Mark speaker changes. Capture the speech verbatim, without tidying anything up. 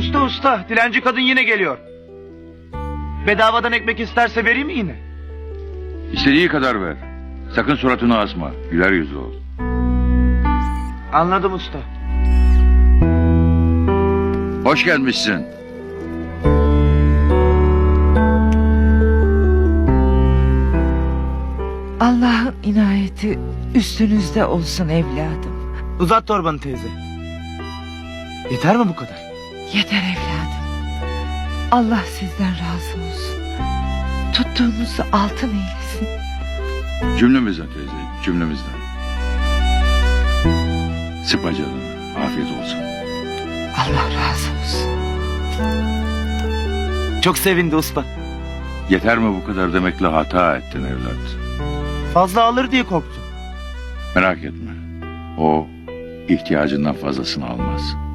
Speaker 1: Usta usta, dilenci kadın yine geliyor. Bedavadan ekmek isterse vereyim mi yine?
Speaker 2: İstediği kadar ver. Sakın suratını asma. Güler yüzlü ol.
Speaker 1: Anladım usta.
Speaker 2: Hoş gelmişsin.
Speaker 3: Allah'ın inayeti üstünüzde olsun evladım.
Speaker 1: Uzat torbanı teyze. Yeter mi bu kadar?
Speaker 3: Yeter evladım. Allah sizden razı olsun. Tuttuğunuzu altın eylesin.
Speaker 2: Cümlemizden teyze, cümlemizden. Sıkma canını. Afiyet olsun.
Speaker 3: Allah razı olsun.
Speaker 1: Çok sevindi usta.
Speaker 2: Yeter mi bu kadar demekle hata ettin evlat.
Speaker 1: Fazla alır diye korktum.
Speaker 2: Merak etme. O ihtiyacından fazlasını almaz.